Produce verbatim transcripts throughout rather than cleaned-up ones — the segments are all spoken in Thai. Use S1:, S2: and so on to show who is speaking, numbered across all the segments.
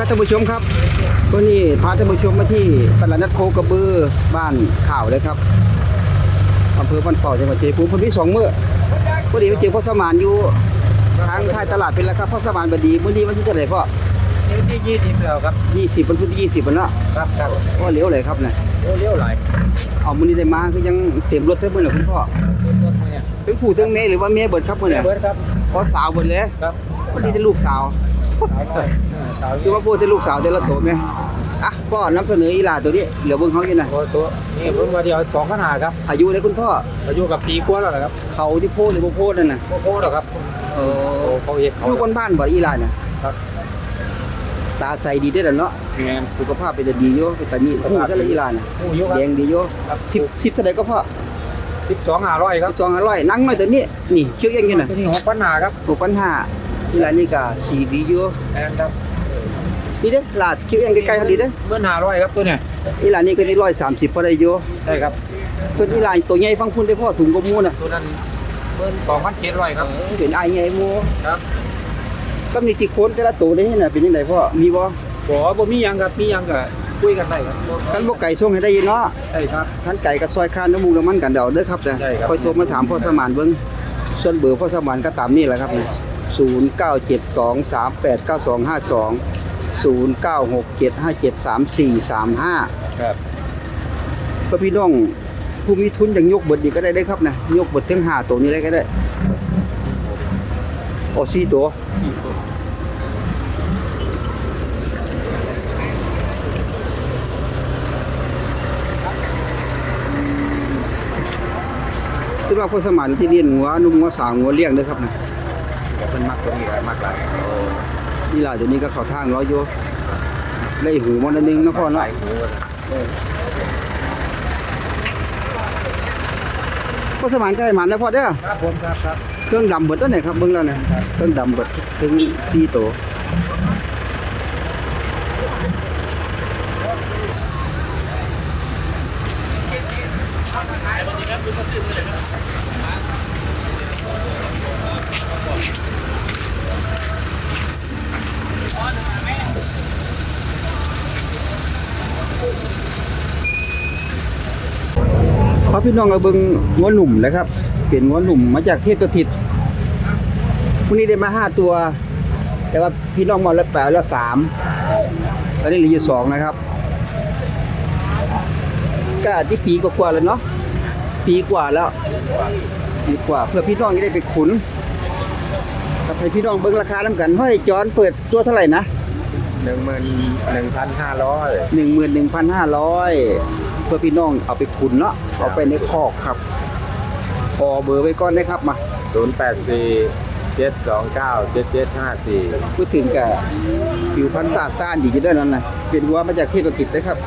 S1: ครับท่านผู้ชมครับวันนี้พาท่านผู้ชมมาที่ตลาดนัดโคกระบือบ้านข่าวเลยครับอำเภอบ้านเป่าจังหวัดชัยภูมิพอดีสองมื้อพอดีไปเจอพ่อสมานอยู่ทางท้ายตลาดเป็นแล้วครับพ่อสมานบดีมื้อนี้วันที่เท่าไหร่พ่อ
S2: ที่ยี่สิบแล้วครับ
S1: ยี่สิบวันพุธที่ยี่สิบวันละ
S2: ครับครับ
S1: ก็เลี้ยวเลยครับเนี่ย
S2: เลี้ยวไหล
S1: เอามื้อนี้ได้มาคือยังเต็มรถเท่ามื้อน่ะคุณพ่อถึงผู้ถึงแม่หรือว่าแม่เบิดครับมื้อเนี่ย
S2: เบิร์ดครับ
S1: พอสาวเบิดเลย
S2: ครับ
S1: วันนี้จะลูกสาว
S2: สาว
S1: คือว่าพูดแต่ลูกสาวแต่ละโตแม่อ่ะพ่อนำเสนออีหลาตัวนี้เหลือเบิ่งเฮาอยู่น่ะ
S2: ตัวตัวนี่เพิ่งมาเดียวสองขนาดครับ
S1: อายุได้คุณพ่อ
S2: อายุกับปีกว่าแล้วนะครับ
S1: เขาที่โพดหรือบ่โพดนั่นน่ะ
S2: โค้โค้หรอครับ
S1: เอ
S2: โอ้
S1: อ
S2: เขาเอกเขา
S1: ลูกบ้านๆบ่อีหลาเนี่ย
S2: ครับ
S1: ตาใสดีเด้อล่ะเนาะ
S2: แมน
S1: สุขภาพเป็นดีอยู่เป็นตามีหูจังเลยอีหลาเนี่ย
S2: ผู้อายุครั
S1: แดงดีอยู่
S2: ครับ
S1: สิบ สิบเท่าใดก็พอ
S2: สิบสองห้าร้อยครับ
S1: จองอร่อยนั่งหน่อยตัวนี้นี่เชือกยังอยู่น่ะ
S2: ตัวนี้หกพันหาครับ
S1: หกพันห้าอีหลานี่ก็สีดีอยู่
S2: แมนครับ
S1: นี่เด้อลาดเชือกยังใกล้ๆเขาดีเด้อ
S2: เมื่อห้าร้อยครับตัวเนี่ย
S1: อีหลานี่ก็ได้หนึ่งร้อยสามสิบพอได้อยู่
S2: ได้ครับ
S1: ส่วนอีหลาตัวใหญ่ฟังพุ่นได้พ่อสูงกว่าหมู่น่ะ
S2: ตัวนั้นเมื่อสองพันเจ็ดร้อยครับ
S1: เป็นอ้ายใหญ่หมู่
S2: ครับ
S1: ก็มีติโคนแต่ละตัวนี่น่ะเป็นจังไดพ่อมีบ่
S2: บ่บ่มีหยังครับมีหยังก็คุยกันได้ครับ
S1: คันบ่ไก่ส่งให้ได้ยินเนาะ
S2: ได้ครับ
S1: คันไก่ก็ซอยคานน้ำมูกน้ำมันกันเดาเด้อครับเด้อ
S2: ได้ครับ
S1: ค่อยโทรมาถามพ่อสมานเบิ่งส่วนเบอร์พ่อสมานก็ตามนี่แหละครับเนี่ยศูนย์ เก้า เจ็ด สอง สาม แปด เก้า สอง ห้า สอง ศูนย์ เก้า หก เจ็ด ห้า เจ็ด สาม สี่ สาม ห้า
S2: ครับ
S1: เพื่อพี่น้องผู้มีทุนอย่างยกเบิดนี่ก็ได้เด้อครับนะยกเบิดถึงห้าตัวนี้ได้ก็ได้โอ้สี่ตัวซึ่งว่าพ่อสมานที่เลี้ยงงัวนุ่มงัวสาวงัวเลี้ยงเด้อครับนะ
S2: เป็นมักตัวนี้ครับมักหลาย
S1: นี่ล่ะเดี๋ยวนี้ก็เข้าทางร้อยอยู่ได้หูมันอันนึงนะพ่อเนาะพ่อสมานใกล้หมันนะพ่อเด้อ
S2: ครับผมครับครับ
S1: เครื่องดำเบิดแล้วเนี่ยครับเบิ่งแล้วเนี่ยเครื่องดำเบิดถึงสี่ตัวพอพี่น้องเอาเบิ่งงัวหนุ่มนะครับเป็นงัวหนุ่มมาจากเทพสถิตวันนี้ได้มาห้าตัว แต่ว่าพี่น้องมาแล้วแปดแล้วสามตอนนี้เหลืออยู่สองนะครับก็ที่ปีกว่าๆแล้วเนาะปีกว่าแล้วปีกว่าเพื่อพี่น้องจะได้ไปขุนกับให้พี่น้องเบิ่งราคานํกันห้อยจอนเปิดตัวเท่าไหร่นะ
S2: หนึ่งหมื่นหนึ่งพันห้าร้อย
S1: หนึ่งหมื่นหนึ่งพันห้าร้อยเพื่อพี่น้องเอาไปขุนเนาะเอาไปในคอกครับขอเบอร์ไว้ก่อนนะครับมา
S2: ศูนย์แปดสี่เจ็ดสองเก้าเจ็ดเจ็ดห้าสี่
S1: พูดถึงกับผิวพรรณสะอาดซ่านดีอยู่ด้วยนั่นนะเป็นวัวมาจากเทพสถิตนะครับ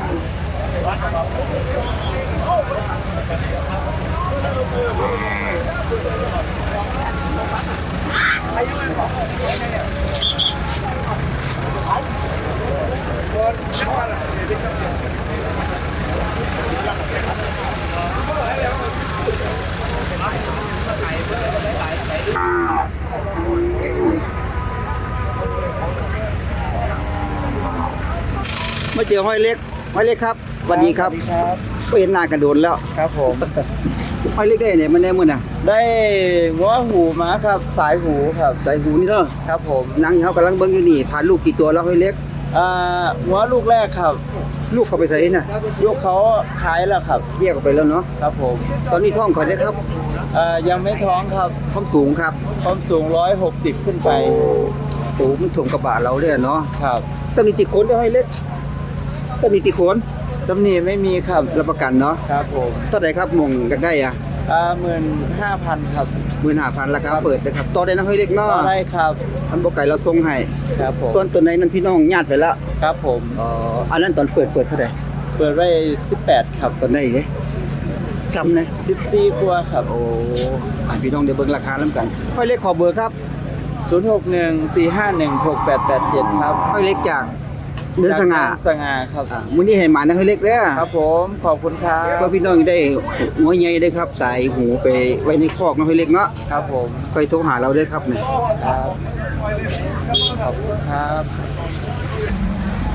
S1: มาเจอห้อยเล็กห้อยเล็กครับสวัสดีครับก็เห็นหน้ากันโดนแล้ว
S2: ครับผม
S1: ห้อยเล็กได้เนี่ยมันได้มื้อน่ะ
S2: ได้หัวหูมาครับสายหูครับ
S1: ใส่หูนี่เด้อ
S2: ครับผม
S1: นางเขากำลังเบิ่งอยู่นี่ผ่านลูกกี่ตัวแล้วห้อยเล็ก
S2: อ่าหัวลูกแรกครับ
S1: ลูกเขาไปใส่น่ะ
S2: ลูกเขาขายแล้วครับ
S1: แยกออกไปแล้วเนาะ
S2: ครับผม
S1: ตอนนี้ท้องเขาได้ครับ
S2: อ่ายังไม่ท้องครับ
S1: ความสูงครับ
S2: ความสูงร้อยหกสิบขึ้นไป
S1: โอ้มันถ่วงกระบะเราเลยเนาะ
S2: ครับ
S1: ต้องมีติโคนด้วยห้อยเล็กต้องมีติโคน
S2: ตำหนิไม่มีครับ
S1: รับประกันเนาะ
S2: ครับผม
S1: เท่าไหร่ครับมงกันได้อ่ะ
S2: อ่าหมื่นห้าพันครับ
S1: หมื่นห้าพันราคาเปิดนะครับต่อได้นะห้อยเล็กเนาะ
S2: ได้ครับ
S1: อันบ่ไก่เราส่งให้
S2: ครับผม
S1: ส่วนตัวไหนนั้นพี่น้องญาติไปแล้ว
S2: ครับผม
S1: อ๋ออันนั้นตอนเปิดเปิดเท่าไหร่
S2: เปิดไว้สิบแปดครับ
S1: ตอนไหนเด้ซ้ำนะ
S2: สิบสี่ครัวครับ
S1: โอ้อันพี่น้องเดี๋ยวเบิ่งราคานํกันห้อยเล็กขอเบอร์ครับ
S2: ศูนย์หกหนึ่งสี่ห้าหนึ่งหกแปดแปดเจ็ดครับ
S1: ห้อยเล็กจากเนื้อสง่า
S2: จากสง่าครับ
S1: อ่ามื้อนี้ให้หมานะห้อยเล็กเด้อ
S2: ครับผมขอบคุณครับ
S1: เพื่อพี่น้องได้หัวใหญ่ได้ครับใส่หูไปไว้ในคอกนะห้อยเล็กเนาะ
S2: ครับผม
S1: ค่อยโทรหาเราเด้อครับเนี่ย
S2: ครับขอบคุณครับ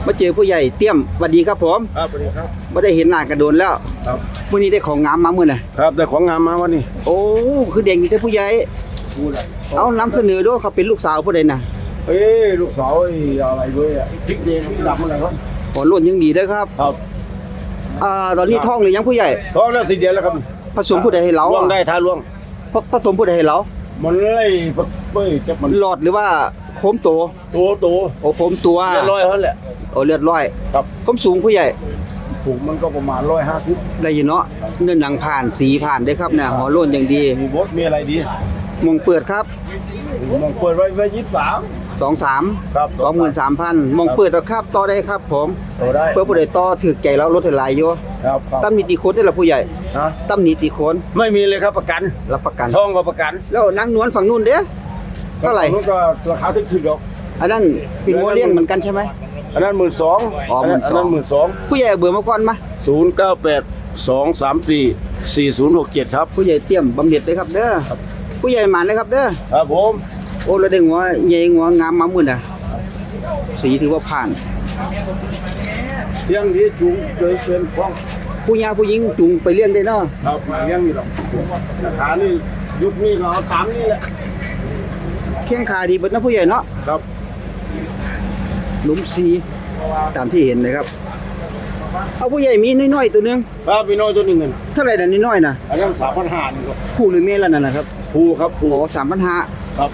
S1: มาเจอผู้ใหญ่เตี้ยมสวัสดีครับผม
S2: ครับสวัสดีครับ
S1: ไม่ได้เห็นหน้ากันโดนแล้ว
S2: ครับ
S1: มื้อนี้ได้ของงามมามื้อน่ะ
S2: ครับแต่ของงามมาวันนี้
S1: โอ้คือเด็กนี่แต่ผู้ใหญ่เอานำเสนอด้วยเขาเป็นลูกสาวผู้ใดน่ะ
S2: เอ้ยลูกสาวไอ้อะไรเว้ยอะพริกแดงพริกดำอะไรครับ
S1: ขอล้นยังดีเด้อครับ
S2: ครับ
S1: อ่าตอนนี้ท้องหรือยังผู้ใหญ่
S2: ท้องแล้วสิเดียวแล้วครับ
S1: ผสมผู้ใดให้เรา
S2: ล่วงได้ท้าล่วง
S1: ผผสมผู้ใดให้เรา
S2: มันไล่เป้ยจับมัน
S1: หลอดหรือว่าโคมโต
S2: ตัวตัว
S1: โอ้โคมตัว
S2: เรียบร้อยเท่านั้นแหละ
S1: โอ้เลือดร้อย
S2: ครับ
S1: ความสูงผู้ใหญ่
S2: ถุงมันก็ประมาณร้อยห้าสิบ
S1: ได้อยู่เนาะเนื้อหนังผ่านสีผ่านได้ครับเนี่ยหัวโล้นอย่างดี
S2: มีบดมีอะไรดี
S1: มองเปิดครับ
S2: มองเปิดไว้ไว้ยี่สิบสาม
S1: สองสาม
S2: ครับ
S1: สองหมื่นสามพันมองเปิดแล้วครับต่อได้ครับผม
S2: ตัวได้
S1: เพื่อผู้ใดต่อถือใจแล้วลดให้หลายอยู่
S2: ครับครับ
S1: ตั้มนิติโคนได้ละผู้ใหญ่
S2: ฮะ
S1: ตั้มนิติโคน
S2: ไม่มีเลยครับประกัน
S1: รับประกัน
S2: ช่องก็ประกัน
S1: แล้วนางนวลฝั่งนู้นเด้อเท่าไหร่
S2: นู้นก็ราคาถึงๆหรอก
S1: อันนั้นเป็นโมเลี้ยงเหมือนกันใช่ไหม
S2: อันนั้นหมื่นสอง
S1: อ๋อ
S2: อันนั้น
S1: หมื่นสอง
S2: อันนั้นหมื่นสอง
S1: ผู้ใหญ่เอาเบอร์มาก่อนมา
S2: ศูนย์เก้าแปดสองสามสี่สี่ศูนย์หกเจ็ดครับ
S1: ผู้ใหญ่เตรียมบำเหน็จเลยครับเด้อผู้ใหญ่หมานเลยครับเด้อ
S2: ครับผม
S1: โอ้เราได้หัวใหญ่หัวงามมามื่นอ่ะสีถือว่าผ่าน
S2: เที่ยงที่จุงเจอเป็นฟ้อง
S1: ผู้ยาผู้หญิงจุงไปเลี้ยงได้เนาะ
S2: ครับเลี้ยงนี่หรอกราคานี่ยุคนี้ก็เอาสามนี่แหละ
S1: แข้งขาดีเบิดนะผู้ใหญ่เนาะ
S2: ครับ
S1: หลุมซีตามที่เห็นนะครับเอาผู้ใหญ่มีน้อยๆตัวหนึง
S2: ครับพี่น้อยตัวหนึ่งเงิน
S1: เท่าไหร่น่ะน้อยๆน่ะ
S2: อันนั้นสามพันห้านี่ครับ
S1: ผู้หรือเมียแล้วนั่นนะครับ
S2: ภูครับภู
S1: โอ้สามพันห้า
S2: ครับ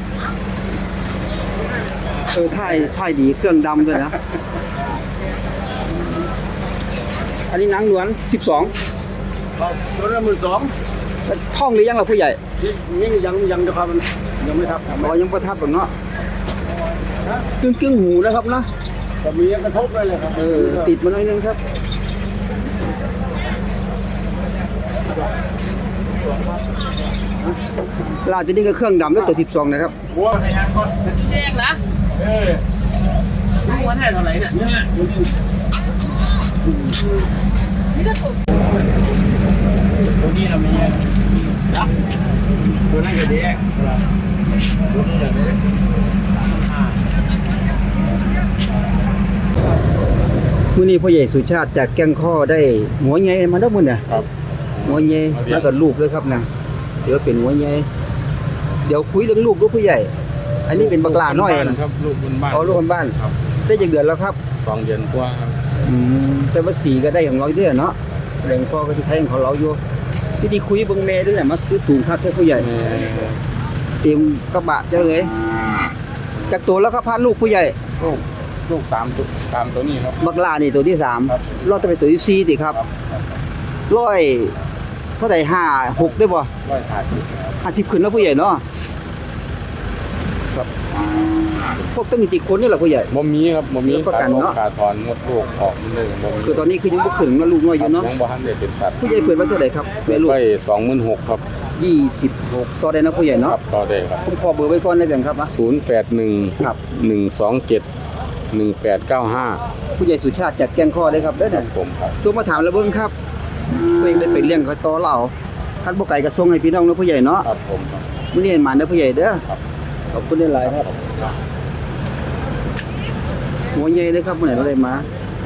S1: เออท่ายท่ายดีเครื่องดำด้วยนะอันนี้นางหนวลสิบสอง
S2: ครับตัวนั้นหมื่นสอง
S1: ท่องหรือยังล่ะผู้ใหญ่
S2: นี่ยังยังจะครับมันยังไม่ทับ
S1: อ๋อยังประทับแบบเนาะกึ่งกึ่งๆหูนะครับนะ
S2: ก็มีกระทบเลยเลยครับ
S1: เออติดมาหน่อยนึงครับลาดจะนี่ก็เครื่องดำแล้วตัวสิบสองนะครับ
S2: หัว
S3: แยกนะ
S2: เออ
S3: รู้ว่าให้เท่าไหร่เนี่ย
S2: ตัวนี้เราไม่แยกนะตัวนั้นก็แยกตัวนี้อย่างนี้
S1: มื้อนี้พ่อใหญ่สุชาติจากแก้งข้อได้หัวใหญ่มาแล้วมื้อเนี่ย
S2: ครับ
S1: หัวใหญ่แล้วก็ลูกด้วยครับนะเดี๋ยวเป็นหัวใหญ่เดี๋ยวคุยเรื่องลูกด้วยผู้ใหญ่ อันนี้เป็นบักหลาน้อยนะครับ
S2: ลูกบนบ้าน
S1: เอาลูกคนบ้าน
S2: ครับ
S1: ได้จักเดือนแล้วครับ
S2: สองเดือนกว่าครับ
S1: อืมแต่ว่าสีก็ได้ของเราเด้อเนาะแรงพ่อก็สิใช้ของเราอยู่ที่ดีคุยเบิ่งแม่ด้วยแหละมาคือสูงครับแท้ผู้ใหญ่เตรียมกระบะเจ้าเลยจากตัวแล้วก็พาลูกผู้ใหญ่
S2: ลูกลูกสามตัวสามตัวนี้ครับ
S1: บักหลานี่ตัวที่สาม
S2: ครับ
S1: รอดจะไปตัวที่สี่ติครับร้อยเท่าไหร่ห้าหกได้บ่
S2: ร้อยห้าสิบครับ
S1: ห้าสิบขึ้นแล้วผู้ใหญ่เนาะครับพวกต้องมีติดคนนี่แหละผู้ใหญ่
S2: บ่มีครับบ่มี
S1: รับประกันเนอะ
S2: ขาถอนหมดลูกออกหมดเลยบ่มี
S1: คือตอนนี้คือยังบ่ขึ้นมาลูกน้อยอยู่เนาะ
S2: ยังบ่ทันได้เป็นสัตว์
S1: ผู้ใหญ่เปิดไว้เท่าไหร่ครับแม่ลูก
S2: ไปสองหมื่นหกครับ
S1: ยี่สิบหกต่อได้นะผู้ใหญ่
S2: ค
S1: เนาะ
S2: รับต่อได้ครับ
S1: ผมขอเบอร์ไว้ก่อนได้แบ่งครับนะ
S2: ศูนย์แปดหนึ่ง
S1: ครับ
S2: หนึ่งสองเจ็ดหนึ่งแปดเก้าห้า
S1: ผู้ใหญ่สุชาติจากแกงข้อเลยครับเด้อเนี่ย
S2: ผมครับ
S1: ตัวมาถามแล้วเบิ่งครับตัวเองได้ไปเลี้ยงเขาต่อเราคันบ่ไก่ก็ส่งให้พี่น้องเนาะผู้ใหญ่เนาะ
S2: ครับผมครับ
S1: มื้อนี้ให้มาเด้อผู้ใหญ่เด้อ
S2: ครับ
S1: ขอบคุณหลายๆครับหัวใหญ่เลยครับมื้อไหนเราได้มา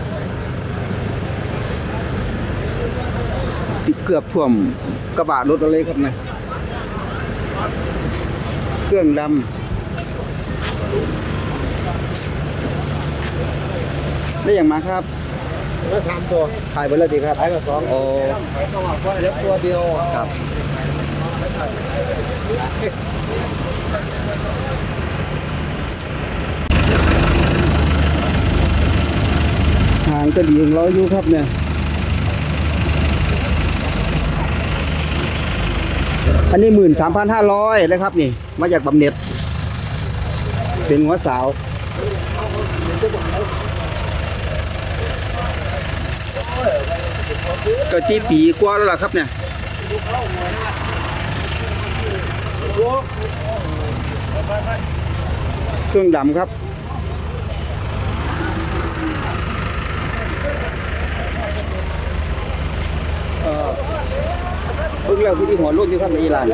S1: ติดเกือบท่วมกระบะรถเราเลยครับเนี่ยเครื่องดำได้อย่างมาครับ
S4: ก็สามตัว
S1: ขายไปแล้วดีครับ
S4: ขายกับสอง
S1: โอ้
S4: ขายต้องว่าเล็กตัวเดียว
S1: ครับทางก็ดีของเราอยู่ครับเนี่ยอันนี้หมื่นสามพันห้าร้อยเลยครับนี่มาจากบำเหน็จเป็นหัวสาวก็ที่ปีกว่าแล้วล่ะครับเนี่ยเครื่องดำครับเออเพิ่งแล้วที่หัวรุ่นอยู่ครับในอิหร่าน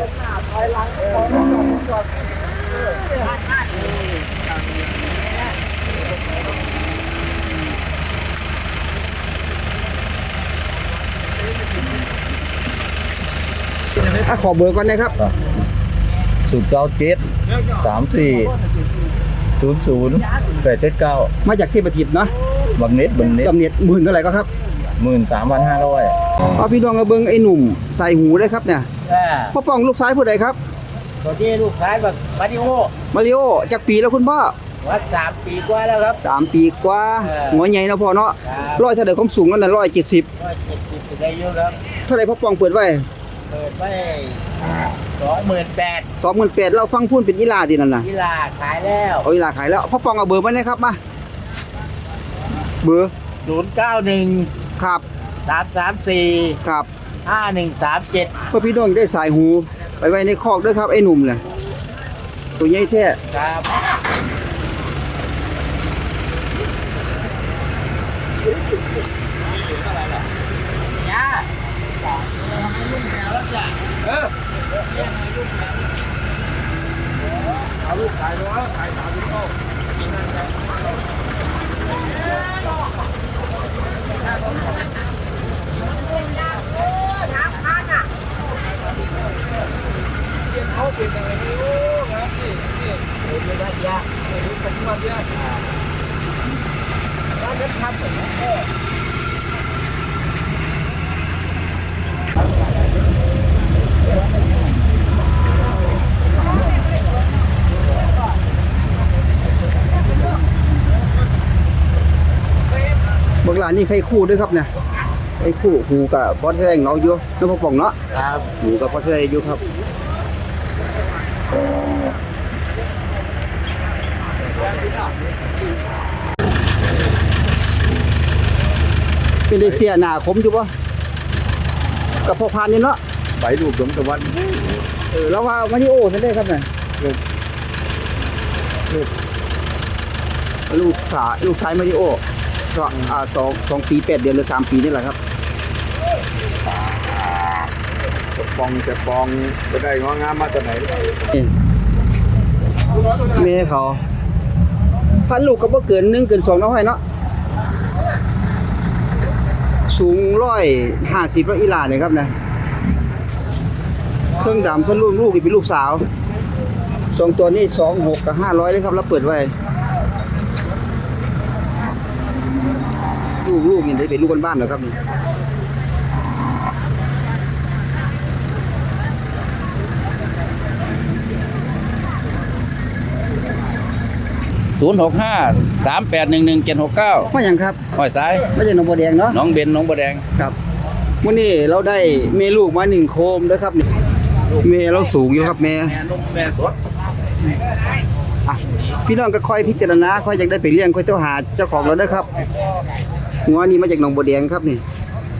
S1: อ่ะขอเบอร์ก่อนนะครับ
S2: ศูนย์เก้าเจ็ดสามสี่ศูนย์ศูนย์แปดเจ็ดเก้า
S1: มาจากเทพทิพย์เนาะ
S2: บางเน็ตบางเน็ต
S1: กำเนิดหมื่นเท่าไหร่ก็ครับ
S2: หมื่นสามพันห้าร้อย
S1: เอาพี่น้องมาเบิ่งไอ้หนุ่มใส่หูได้ครับเนี่ยพ่อป้องลูกซ้ายผู้ใดครับ
S3: ตัวนี้ลูกชายแบบมาริโอ
S1: มาริโอจากปีแล้วคุณพ่อ
S3: วัดสามปีกว่าแล้วครับ
S1: สามปีกว่า
S3: เออ
S1: หัวใหญ่เนาะพ่อเนาะ
S3: ครับ
S1: ร้อยเท่าไหร่ความสูงนั่นน่ะร้อยเจ็ดสิบ
S3: ร้อยเจ็ดสิบได้เยอะครับ
S1: เท่าไหร่พ่อป้องเปิดไว้
S3: เปิดไว้สองหมื่นแปด
S1: สองหมื่นแปดเราฟังพูนเป็นอีลาดีนั่นน่ะ
S3: กีฬาขายแล้ว
S1: เอาอีลาขายแล้วพ่อป้องเอาเบอร์มาเลยครับมาเบอร์
S3: ศูนย์เก้าหนึ่ง
S1: ครับ
S3: สามสามสี่
S1: ครับ
S3: ห้าหนึ่งสามเจ็ด
S1: เพื่อพี่น้องได้สายหูไปไว้ในคอกด้วยครับไอ้หนุ่มเนี่ยตัวใหญ่แท้
S3: ครับ
S1: บางร้านนี่ใครคู่ด้วยครับเนี่ยไอ้คู่หูกับพอแท้งเอาอยู่น้องพ่อป่องเนาะ
S3: ครับ
S1: หูกับพอแท้อยู่ครับเป็นได้เสียหน้าคมอยู่ปะกับพ่อพานนี่เนาะ
S2: ใบลูกสมตะวัน
S1: เออแล้วว่ามาริโอนั่นได้ครับเนี่ยลูกลูกลูกสาลูกชายมาริโอสองอ่าสองสองปีแปดเดือนหรือสามปีนี่แหละครับ
S2: จะปองจะปองไปได้งองามมาจากไหน
S1: นี่แม่เขาพันลูกก็บ่เกินหนึ่งเกินสองเนาะให้เนาะสูงร้อยห้าสิบแล้วอีหลาเนี่ยครับนะเครื่องดำท่านลูกลูกนี่เป็นลูกสาวสองตัวนี้สองหกกับห้าร้อยเลยครับแล้วเปิดไว้ลูกลูกนี่ได้เป็นลูกบ้านๆเหรอครับนี่
S5: ศูนย์หกห้าสามแปดหนึ่งหนึ่งเจ็ดหกเก้า
S1: ว่าอย่างครับ
S5: ห้อยซ้าย
S1: ไม่ใช่หนองบัวแดงเนาะ
S5: น้องเบนน้องบัวแดง
S1: ครับวันนี้เราได้เมลูกมาหนึ่งโคมด้วยครับนี่เมเราสูงอยู่ครับแม่
S5: แม่นุ่มแม่สด
S1: อ่ะพี่น้องก็ค่อยพิจารณาค่อยอยากได้ไปเลี้ยงค่อยเจ้าหาเจ้าของเราด้วยครับหัวนี่มาจากหนองบัวแดงครับนี่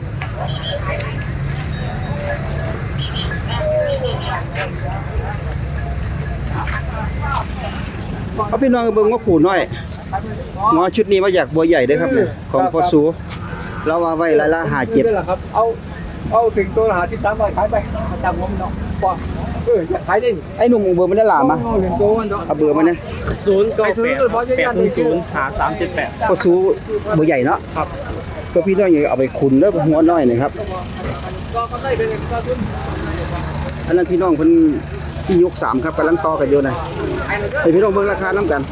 S1: เอาพี่น้องเบิ่งว่าผูน้อยหัวชุดนี้มาจากบัวใหญ่เด้อครับเนี่ยของพ่อสูเราว่าไว้รายละห้าเจ็ด
S2: นี่แหละครับ เอาเอาถึงตัวหาที่สามร้อยขายไปจำผมเนาะป่ะเออขายได้
S1: ไอ้หนุ่มเบอร์มันได้หลามา
S2: เอาถึงตัวมันเนาะ
S1: เอาเบอร์มาเนี่ย
S3: ศูนย์เก้าแปดแปดศูนย์หาสามเจ็ดแปด
S1: พ่อสูบัวใหญ่เนาะ
S3: ครับ
S1: ก็พี่น้องอย่าเอาไปขุนแล้วหัวน้อยหน่อยครับ
S3: ก็ก็ได้เป็นก็ทุน
S1: อันนั้นพี่น้องเพิ่นที่ยกสามครับกำลังต่อกันอยู่นะให้พี่น้องเบิ่งราคานํกัน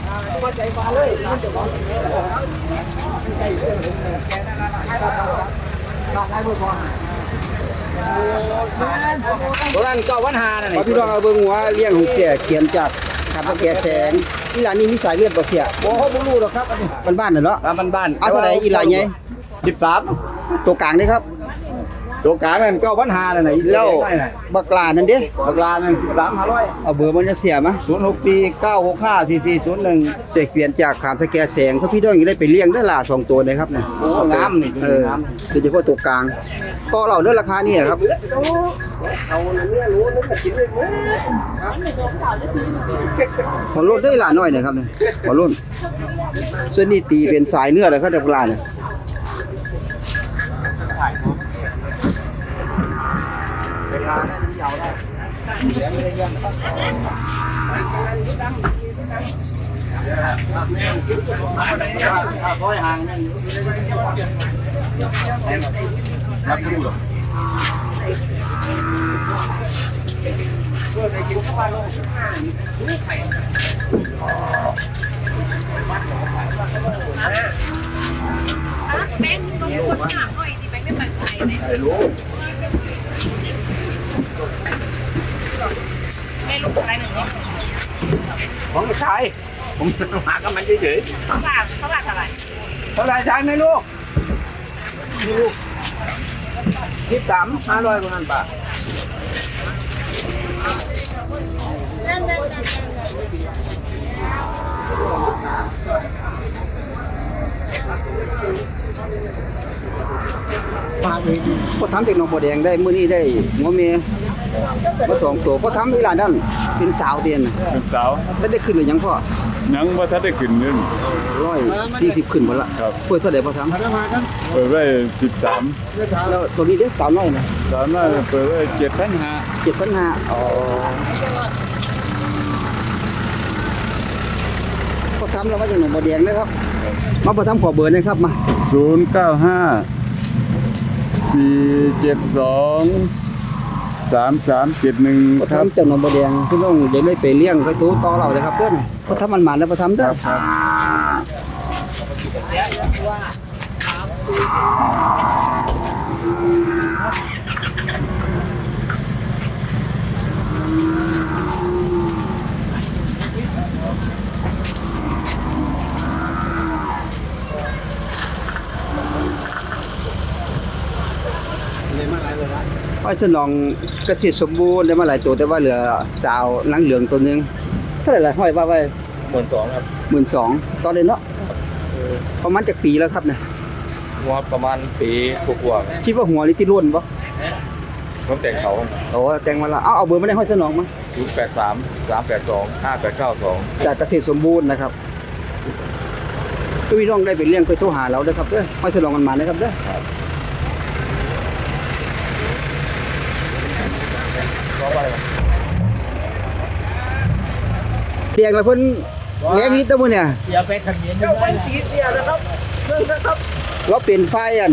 S3: ตัวนั้นก็วันหาน่ะ
S1: พอพี่น้องเอาเบิ่งหัวเลี้ยงของเสียเขียนจากขับตะแกแสงอีหลานนี่มีสายเลือดบ่เสียบ่เฮาบ่รู้หรอกครับอันนี้บ้านๆน่ะเนาะ
S2: บ้านบ้าน
S1: เอาเท่าไหร่อีหลานใหญ่
S2: สิบสาม
S1: ตัวกลางนี่ครับ
S2: ตัวกลางนั่นก็วันหาน่ะไหน
S1: แล้วบักลานั่นเด้
S2: บักลานั่นสิบสามห้าร้อย
S1: เอาเบอร์มันจะเสียมา
S2: ศูนย์หกสี่เก้าหกห้าสี่สี่ศูนย์หนึ่ง
S1: เสียเขียนจากขามตะแกแสงเพราะพี่น้องอย่าได้ไปเลี้ยงได้อล่ะสองตัวนะครับเนี่ย
S2: โอ้งามนี่
S1: เออโดยเฉพาะตัวกลางก็เราเด้อราคานี่ครับหัวโล้นได้หลาน้อยเนี่ยครับเนี่ยหัวโล้นส่วนนี้ตีเป็นสายเนื้อเลยครับเด็กโบราณเนี่ย
S6: แม่ต้องคนถามหน่อยสิแม่ไม่มั่นใจเนี่ยแม่ลูกอะไรหนึ่งเนี่ย
S2: ของชายผมหากับมันเฉย
S6: เขาบาทเขาบาทอะไร
S2: ๆเท่าไรชายไหมลูกนี่ลูกยี่สิบสามห้าร้อยกว่านั้นป่ะ
S1: พอทำเด็กน้องบัวแดงได้มื้อนี้ได้หัวเมียมาสองตัวพอทำอีหลานนั่นเป็นสาวเตียนน่ะ
S7: เป็นสาว
S1: แล้วได้ขึ้นหรือยังพ่อ
S7: ยังว่าถ้าได้ขึ้นเงิน
S1: ร้อยสี่สิบขึ้นหมดละ
S7: ครับ
S1: เปิดเท่าไหร่พอท
S4: มาแล้วมากัน
S7: เปิดไว้สิบสาม
S1: ำแล้วตัวนี้เด็กสาวน้อยนะ
S7: สามารถเปิดไว้เจ็ดพันห้า
S1: เจ็ดพันห้าอ๋อพอทำเรามาจากหนองบัวแดงนะครับมาพอทำขอเบอร์นะครับมา
S7: ศูนย์เก้าห้าสี่เจ็ดสองสามสามเจ็ดหนึ่ง
S1: พอ
S7: ครับ
S1: ทำจากหนองบัวแดงพี่น้องเดี๋ยวได้ไปเลี้ยงไปตู้ต่อเราเลยครับเพื่อนพอทำมันหมันแล้วพอทำเด้อ ห้อยสนองเกษตรสมบูรณ์ได้มาหลายตัวแต่ว่าเหลือสาวหนังเหลืองตัวหนึงเท่าไหร่ล่ะห้อยว่าไว้
S2: หมื่นสองครับ
S1: หมื่นสองตอนเลยเนาะประมาณจากปีแล้วครับเนี่ย
S2: หัวประมาณปีกว่า
S1: คิดว่าหัวนี่ที่ร่วนปะ
S2: ๆผมแต่งเขา
S1: โอ้แต่งมาละเอาเอาเบอร์มาได้ห้อยสนองมา
S2: ศูนย์แปดสามสามแปดสองห้าแปดเก้าสอง
S1: จากเกษตรสมบูรณ์นะครับก็พี่น้องได้ไปเลี้ยงไปโทรหาเราเด้อครับเด้อห้อยสนองกันมานะครับเด้อเตียงละเพิ่นเลี้ยงนิดเด้อมื้อเนี่ย
S4: อย่าไปขัดเย็นอยู่ได้
S1: เราเป็นไฟอัน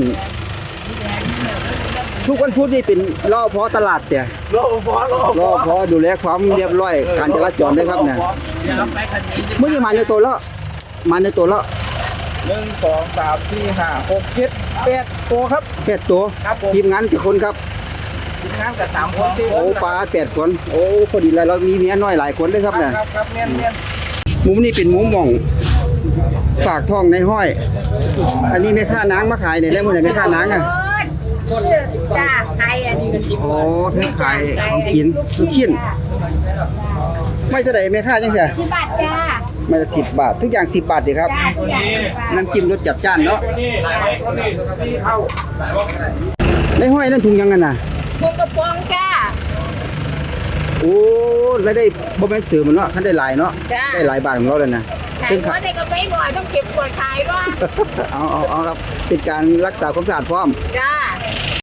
S1: ทุกวันพุธนี่เป็นรอพอตลาดเตี่ย
S2: โลพอโล
S1: รอพอดูแลความเรียบร้อยการจราจรด้วยครับเนี่ย
S4: อย่าไปขัดเย็น
S1: เมื่อนี้มาในตัวแล้วมาในตัวแล้ว
S2: หนึ่งสองสามสี่ห้าหกเจ็ดแปดตัวครับ
S1: แปดตัว
S2: ครับผม
S1: ทีมงานกี่คนครับ
S2: ทีมงานกับสามคนที่
S1: โอ้ปลาแปดคนโอ้พอดีเลยเรามีเมียน้อยหลายคนเลยครับเนี่ย
S2: ครับครับเมียนเมียน
S1: มุมนี้เป็นมุมหม่องฝากทองในห้อย อันนี้แม่ค้านางมาขายเนี่ยได้หมดเลยแม่ค้านางอ่ะ
S6: จ้าใครอันนี้ก็สิบ
S1: โอ้เธอขายของกินลูกชิ้นไม่เท่าไหร่แม่ค้าจังเสีย
S6: สิบบาทจ้า
S1: ไม่ละสิบบาททุกอย่างสิบบาทดีครับ
S6: จ้าทุกอย่างสิบบาท
S1: น้ำจิ้มรสจัดจ้านเนาะในห้อยนั่นถุงยังไงน่ะ
S6: ปูกระป๋องจ้า
S1: โอ้แล้วได้บ่แม่นซื้อมันเนาะท่านได้หลายเนาะ
S6: จ้ะ
S1: ได้หลายบาทของเราเลยนะ
S6: ขาย
S1: เป็น
S6: หัวในกระเป๋หน่อยต้องเก็บขวดขายว่า
S1: เอาเอาเอาครับเป็นการรักษาความสะอาดพร้อม
S6: จ้า